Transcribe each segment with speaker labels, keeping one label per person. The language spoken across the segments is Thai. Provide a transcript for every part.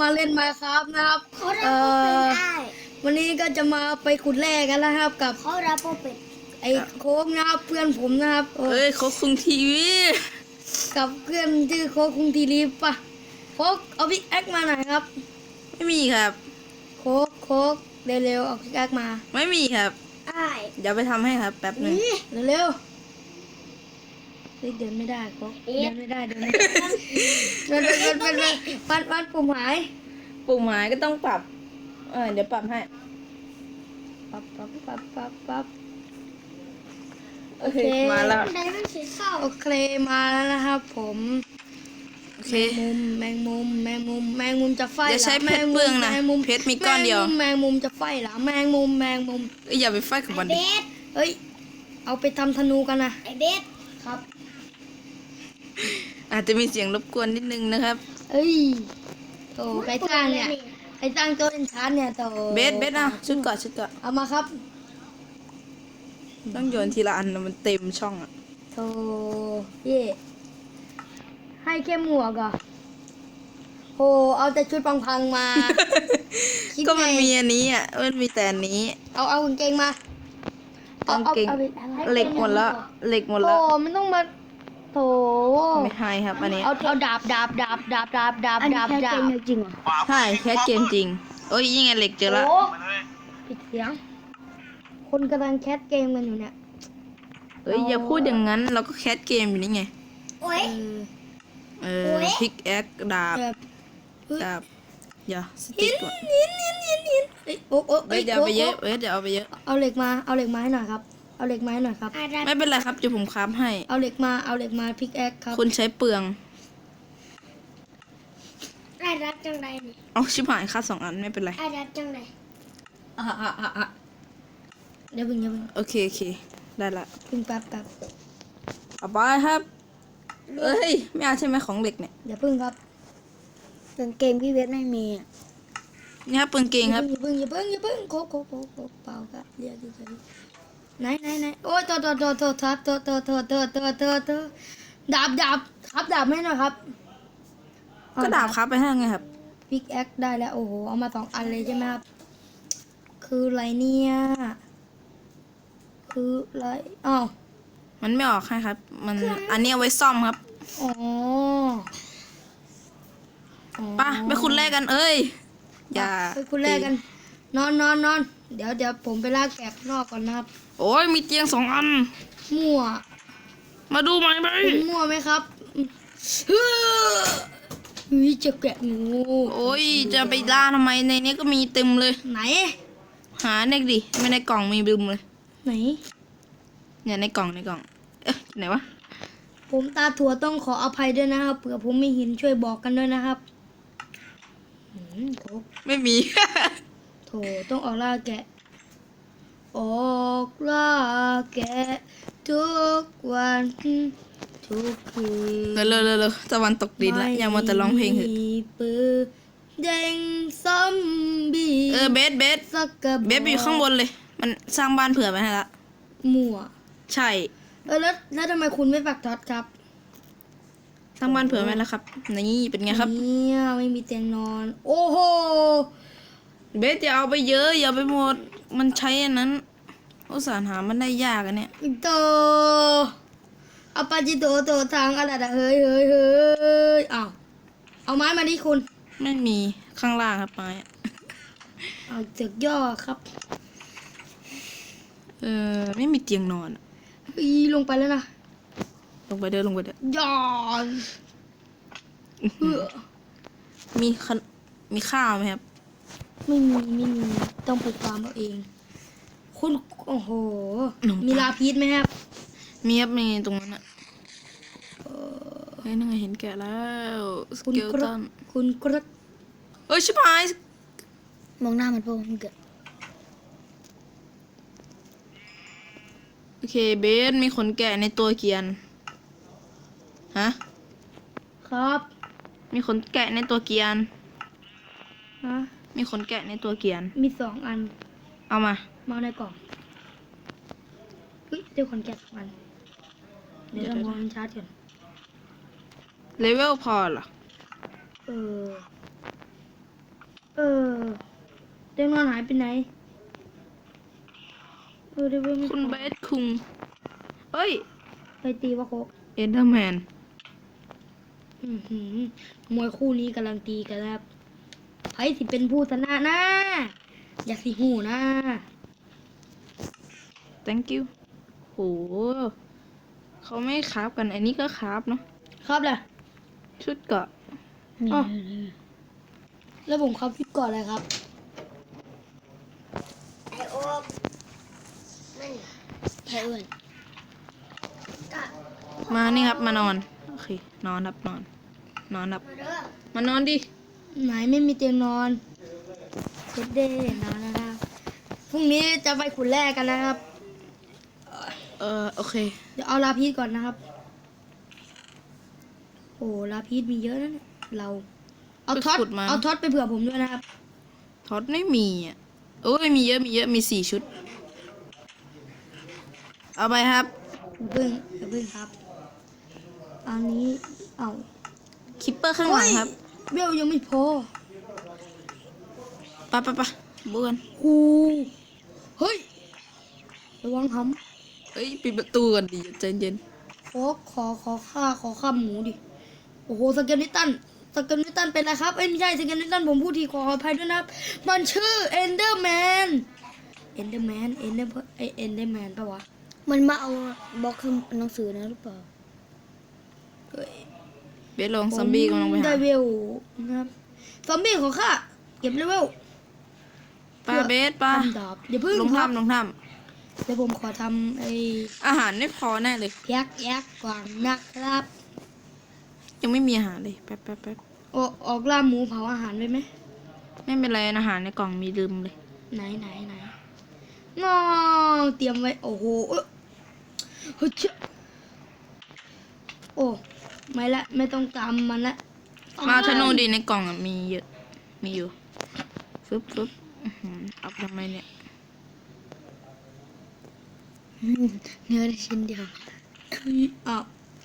Speaker 1: มาเล่นมาครับนะครับ
Speaker 2: เขารับโปเป็นไอ้
Speaker 1: วันนี้ก็จะมาไปขุดแร่กันแล้วครับกับ
Speaker 2: เขารับโปเป็น
Speaker 1: ไอ้โค้กนะครับเพื่อนผมนะครับ
Speaker 3: เอ้ยเขาคุงทีวี
Speaker 1: กับเพื่อนชื่อโค้กคุงทีรีปะโค้กเอาพิกแอคมาหน่อยครับ
Speaker 3: ไม่มีครับ
Speaker 1: โค้กเร็วๆเอาพิกแอคมา
Speaker 3: ไม่มีครับ
Speaker 2: ไอ้
Speaker 3: เดี๋ยวไปทำให้ครับแป๊บหนึง
Speaker 2: นี่
Speaker 1: เร็วๆเฮ้ยเดินไม่ได้โค้กเดินไม่ได้เดินไม่ได้ปันปุ่มหาย
Speaker 3: ปุ่มหมายก็ต้องปรับเดี๋ยวปรับให้
Speaker 1: ปั๊บ
Speaker 3: โอเคมาแล้ว
Speaker 2: ไดมันสีเศร้า
Speaker 1: โอเคมาแล้วนะครับผม
Speaker 3: โอเค
Speaker 1: แมงมุมจะไฟ
Speaker 3: อย่าใช้
Speaker 1: หร
Speaker 3: เพชรเปลืองนะ
Speaker 1: แมงมุม
Speaker 3: เพชรมีก้อนเดียว
Speaker 1: แมงมุมจะไฟเหรอแมงมุม
Speaker 3: เอ้ยอย่าไปไฟกับมัน
Speaker 2: เบ
Speaker 3: ดิ
Speaker 2: ส
Speaker 1: เอ้ยเอาไปทำธนูกันนะ
Speaker 2: ไอเบส
Speaker 1: ครับ
Speaker 3: อาจจะมีเสียงรบกวนนิดนึงนะครับ
Speaker 1: เอ้ยโตใครสร้างเนี่ยใครสร้างตัวเป็นชั้นเนี่ยโต
Speaker 3: เบสนะชุดเกาะชุดเกาะ
Speaker 1: เอามาครับ
Speaker 3: ต้องโยนทีละอันนะมันเต็มช่องอ่ะ
Speaker 1: โตเย่ให้แค่หมวกอ่ะโหเอาแต่ชุดพังๆมา คิดไง
Speaker 3: ก็มันมีอันนี้อ่ะมันมีแต่อันนี้
Speaker 1: เอากางเกงมาก
Speaker 3: างเกง
Speaker 1: เอาไป
Speaker 3: เหล็กหมดแล้วเหล็กหมด
Speaker 1: โถ
Speaker 3: แล้ว
Speaker 1: ไม่ต้องมาโถ
Speaker 3: ไม่ให้ครับอันนี้
Speaker 1: เอาดาบจริงเหรอ
Speaker 3: ใช่แคสเกมจริงโอ้ยยังไงเหล็กเจอละ
Speaker 1: โอ้ปิดเสียง คนกำลังแคสเกมกันอยู่เนี่ย
Speaker 3: เอ้ยอย่าพูดอย่างนั้นเราก็แคสเกมอยู่นี่ไง
Speaker 2: โอ้ย
Speaker 1: เออ
Speaker 3: เออพิกแอคดาบ
Speaker 1: แบบ
Speaker 3: ดาบอย่าสติ๊กก่อน
Speaker 1: หินเอ้ยโอ้
Speaker 3: เว้ยเดี๋ยวเอาไปเยอะเว้ยเดี๋ยวเอาไปเยอะ
Speaker 1: เอาเหล็กมาให้หน่อยครับ เอาเหล็กมาให้หน่อยครับ
Speaker 2: ไอ้รับ
Speaker 3: ไม่เป็นไรครับเดี๋ยวผมค้ำให้
Speaker 1: เอาเหล็กมาพิกแอคครับ
Speaker 3: คุณใช้เปลือง
Speaker 2: ไอ้รับจังไรนี่
Speaker 3: เอาชิบหายค่าสองอันไม่เป็นไร
Speaker 2: ไอ้รับจังไร
Speaker 1: เดี๋ยวเพิ่ง
Speaker 3: โอเคได้ละ
Speaker 1: แป๊บ
Speaker 3: เอาไปครับเอ้ยไม่เอาใช่ไหมของเหล็กเนี่ย
Speaker 1: เดี๋ยวเพิ่งครับ
Speaker 2: กางเกงพี่เวทไม่มี
Speaker 3: นี่ครับปืนเกงครับ
Speaker 1: อย่าเพิ่งโคเปล่าครับเรียกเฉยๆไหนโอ้ยโทษดาบครับดาบให้หน่อยครับ
Speaker 3: ก็ดาบครับไปให้ไงครับ
Speaker 1: พิกแอคได้แล้วโอ้โหเอามา2 อันเลยใช่ไหมครับคืออะไรเนี่ยคืออะไรอ้าว
Speaker 3: มันไม่ออกให้ครับ มันอันนี้เอาไว้ซ่อมครับ
Speaker 1: อ๋อ
Speaker 3: ไป่ะไปคุณแรกกันเอ้ยอย่า
Speaker 1: ไปคุณแรกกันนอนเดี๋ยวผมไปลากแกะข้างนอกก่อนนะครับ
Speaker 3: โอ้ยมีเตียง2 อัน
Speaker 1: มั่ว
Speaker 3: มาดูไหมไหม
Speaker 1: คุณมั่วไหมครับเฮ้ยจะแกะงู
Speaker 3: โอ้ยจะไปล่าทำไมในนี้ก็มีเต็มเลย
Speaker 1: ไหน
Speaker 3: หาเน็กดิไม่ในกล่องมีบึมเลย
Speaker 1: ไหน
Speaker 3: เนี่ยในกล่องเอ๊ะไหนวะ
Speaker 1: ผมตาถั่วต้องขออภัยด้วยนะครับเผื่อผมไม่เห็นช่วยบอกกันด้วยนะครับโถ
Speaker 3: ไม่มี
Speaker 1: โถต้องออกล่าแกะ ออกล่าแกะทุกวันทุกคืน
Speaker 3: เร็วตะวันตกดินแล้วยังมาแต่ร้องเพลงเหอะ
Speaker 1: ไม่มีปืนแดงซอมบี้
Speaker 3: เบส
Speaker 1: สักกระบอก
Speaker 3: เบสไปอยู่ข้างบนเลย มันสร้างบ้านเผื่อไว้ให้ละ
Speaker 1: มั่ว
Speaker 3: ใช่
Speaker 1: แล้วทำไมคุณไม่ปักท็อตครับ
Speaker 3: สร้างบ้านเผื่อไว้แล้วครับนี่เป็นไงครับ
Speaker 1: เนี่ยไม่มีเตียงนอน โอ้โห
Speaker 3: เบสอย่าเอาไปเยอะอย่าไปหมดมันใช้อันนั้นอุตส่าห์หามันได้ยากอันเนี่ย
Speaker 1: โตเอาปาจิโตโตทางอะไรอะเฮ้ยอ้าวเอาไม้มาดิคุณ
Speaker 3: ไม่มีข้างล่างครับไม้อะ
Speaker 1: เอาเจือกย่อครับ
Speaker 3: ไม่มีเตียงนอนอะ
Speaker 1: อีลงไปแล้วนะ
Speaker 3: ลงไปเด้อ
Speaker 1: ย่อน
Speaker 3: มีข้าวไหมครับ
Speaker 1: ไม่มีต้องไปฟาร์มเอาเอง คุณโอ้โห มีลาพีชไหมครับ
Speaker 3: มีครับมีตรงนั้นอะเฮ้ยนั่นไงเห็นแกะแล้วส
Speaker 1: คุณ
Speaker 3: เกล
Speaker 1: กร
Speaker 3: ตั
Speaker 1: ด
Speaker 3: น
Speaker 1: คุณกรด
Speaker 3: เอ้ยชิบหาย
Speaker 1: มองหน้ามันโป้มันเกิด
Speaker 3: โอเคเบสมีขนแกะในตัวเกียนฮะ
Speaker 1: ครับ
Speaker 3: มีขนแกะในตัวเกียน
Speaker 1: ฮะ
Speaker 3: มีขนแกะในตัวเกียน
Speaker 1: มี2 อัน
Speaker 3: เอามา
Speaker 1: มาในกล่องเฮ้ยเดี๋ยวคนแกะ2 อันเดี๋ยวเรามองชาร์จก่อน
Speaker 3: เลเวลพอเหรอ
Speaker 1: เออเออเตียงนอนหายไปไหนเดี๋ยวไม่
Speaker 3: คุณเบสคุงเฮ้ย
Speaker 1: ไปตีวะโคก
Speaker 3: เอ็นเดอร์แมน
Speaker 1: มวยคู่นี้กำลังตีกันนะครับใครสิเป็นผู้ชนะนะอยากสิหูนะ
Speaker 3: thank you โหเขาไม่คราฟกันอันนี้ก็คราฟเนาะ
Speaker 1: ครับเลย
Speaker 3: ชุดเกราะ
Speaker 1: อ๋อแล้วผมครับชุดก่อนเลยครับ
Speaker 2: ไอโอมนั่นแค่อื่นก็
Speaker 3: มานี่ครับมานอนโอเคนอนครับนอนครับ
Speaker 2: มาเด้อ
Speaker 3: มานอนดิ
Speaker 1: ไหนไม่มีเตียงนอนเช็ดเด้นอนนะครับพรุ่งนี้จะไปขุดแร่กันนะครับ
Speaker 3: โอเค
Speaker 1: เดี๋ยวเอาลาพีชก่อนนะครับ โอ้ลาพีชมีเยอะนะเนี่ยเรา เอาท็อต
Speaker 3: ไปขุดมา
Speaker 1: เอาท็อตไปเผื่อผมด้วยนะครับ
Speaker 3: ท็อตไม่มีอ่ะโอ้ยมีเยอะมี4 ชุด เอาไปครับ
Speaker 1: อย่าเพิ่งครับ อันนี้เอา
Speaker 3: คิปเปอร์ข้างหลังครับ
Speaker 1: เบลยังไม่พอ
Speaker 3: ไปบุกัน
Speaker 1: กูเฮ้ยระวังท
Speaker 3: เฮ้ยปิดประตูก่อนดิใจเย็น
Speaker 1: ำขอฆ่าหมูดิ โอ้โหสเกลนิตันเป็นไรครับเอ้ยไม่ใช่สเกลนิตันผมพูดทีขออภัยด้วยนะครับ มันชื่อเอนเดอร์แมนปะวะ
Speaker 2: มันมาเอาบล็อกคือหนังสือนะหรือเปล่า
Speaker 3: เบสลงซอมบี้กำลังไป
Speaker 1: ได้
Speaker 3: หา
Speaker 1: เวลนะครับซอมบี้ของข้าเก็บเลเวล
Speaker 3: ปลาเบสปลา
Speaker 1: ทำดาบอย่าเพิ่ง
Speaker 3: ลง
Speaker 1: ครับ
Speaker 3: ถ้ำ
Speaker 1: เดี๋ยวผมขอทำไอ้
Speaker 3: อาหารไม่พอแน่เลย
Speaker 1: ยักษ์ก่อนนะครับ
Speaker 3: ยังไม่มีอาหารเลยแป๊บ
Speaker 1: ออกล่าหมูเผาอาหารไว้ไหม
Speaker 3: ไม่เป็นไรอาหารในกล่องมีลืมเลย
Speaker 1: ไหนงอเตรียมไว้ โอ้โหเฮ้ยเจ้าโอ้ไม่ละไม่ต้องตามมันละ
Speaker 3: มาธนูดีในกล่องอะมีเยอะมีอยู่ฟึบอื้อหือเอาไปทำไมเนี่ย
Speaker 2: เนื้อได้ชิ้นเดียว
Speaker 1: อ้าว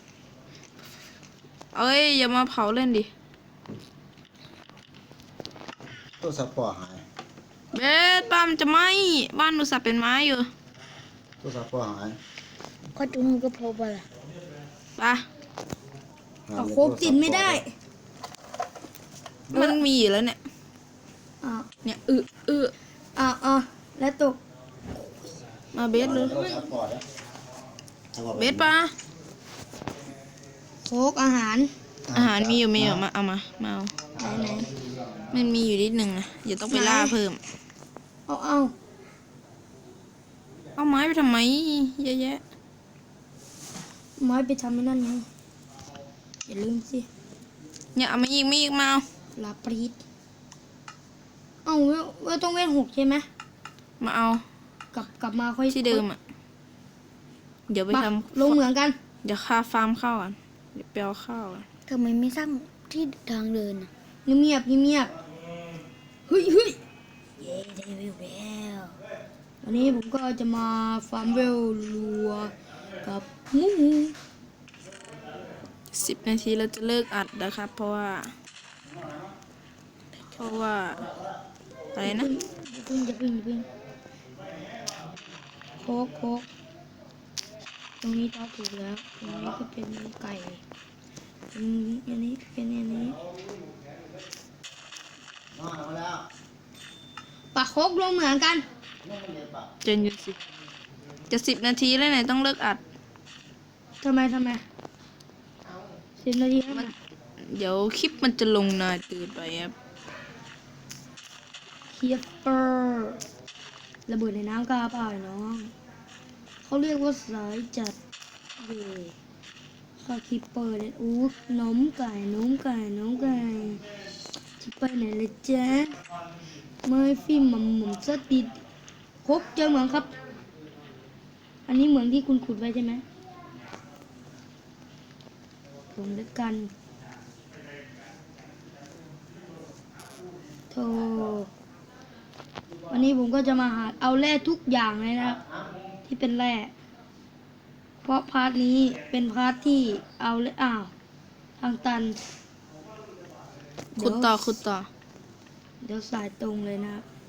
Speaker 3: เอ้ยอย่ามาเผาเล่นดิ
Speaker 4: ตู้ซัพพอร์ตหาย
Speaker 3: เบสบ้านมันจะไหม้บ้านอุตส่าห์เป็นไม้อยู่
Speaker 4: ตู้ซัพพอร์ตหาย
Speaker 2: ก็จุนก็พบอะไร
Speaker 3: ไป
Speaker 1: เอาโคกติดไม่ได้
Speaker 3: มันมีอยู่แล้วเนี่ย
Speaker 1: อ้าว
Speaker 3: เนี่ย
Speaker 1: อ้าวแล้วตก
Speaker 3: มาเบสเลย
Speaker 4: ตู้ซัพพอร์ตนะ
Speaker 3: เบสปะ
Speaker 1: โคกอาหาร
Speaker 3: อาหารมีอยู่มาเอามาเอา
Speaker 1: ไหน
Speaker 3: มันมีอยู่นิดหนึ่งนะอย่าต้องไปล่าเพิ่ม
Speaker 1: เอา
Speaker 3: เอาไม้ไปทำไมเยอะแยะ
Speaker 1: ไม้ไปทำไม่นั่นไงอย่าลืมสิ
Speaker 3: เนี่ยเอามาอีกมาเอา
Speaker 1: ลาปรีดเอาเวลต้องเวท6ใช่ไหม
Speaker 3: มาเอา
Speaker 1: กลับมาค่อย
Speaker 3: ที่เดิมอ่ะเดี๋ยวไป
Speaker 1: ไป
Speaker 3: ท
Speaker 1: ลงเหมืองกัน
Speaker 3: ำเดี๋ยวค่าฟาร์มข้าวก่อนเดี๋ยวไปเอาข้าวก่อน
Speaker 2: ทำไมไม่สร้างที่ทางเดินอ่ะ
Speaker 1: เงียบเฮ้ยเย้ได้เวลแล้ววันนี้ผมก็จะมาฟาร์มเวลรัวกับหมู
Speaker 3: 10 นาทีเราจะเลิกอัดนะครับ เพราะว่าอะไรนะ
Speaker 1: อย่าเพิ่งโคกตรงนี้ตาถูกแล้วตรงนี้ก็เป็นไก่อันนี้เป็นอันนี้
Speaker 4: มาแล้ว
Speaker 1: ปะโคกลงเหมือนกัน
Speaker 3: เจนอยู่สิจะ10 นาทีแล้วไหนต้องเลิกอัด
Speaker 1: ทำไม10 นาทีให้มัน
Speaker 3: เดี๋ยวคลิปมันจะลงนานเกินไปครับ
Speaker 1: คีเปอร์ระเบิดในน้ำกล้าเปล่าไอ้น้องเขาเรียกว่าสายจัดเย่ข้าคีเปอร์เนี่ยอู้นมไก่จะไปไหนเลยจ๊ะไม่ฟิล์มหม่ำสติดครบเจอเหมืองครับ อันนี้เหมืองที่คุณขุดไว้ใช่ไหมลงด้วยกันโธ่วันนี้ผมก็จะมาหาเอาแร่ทุกอย่างเลยนะครับที่เป็นแร่เพราะพาร์ทนี้เป็นพาร์ทที่เอาเลยทางตัน
Speaker 3: ขุดต่อ
Speaker 1: เเดี๋ยวสายตรงเลยนะครับ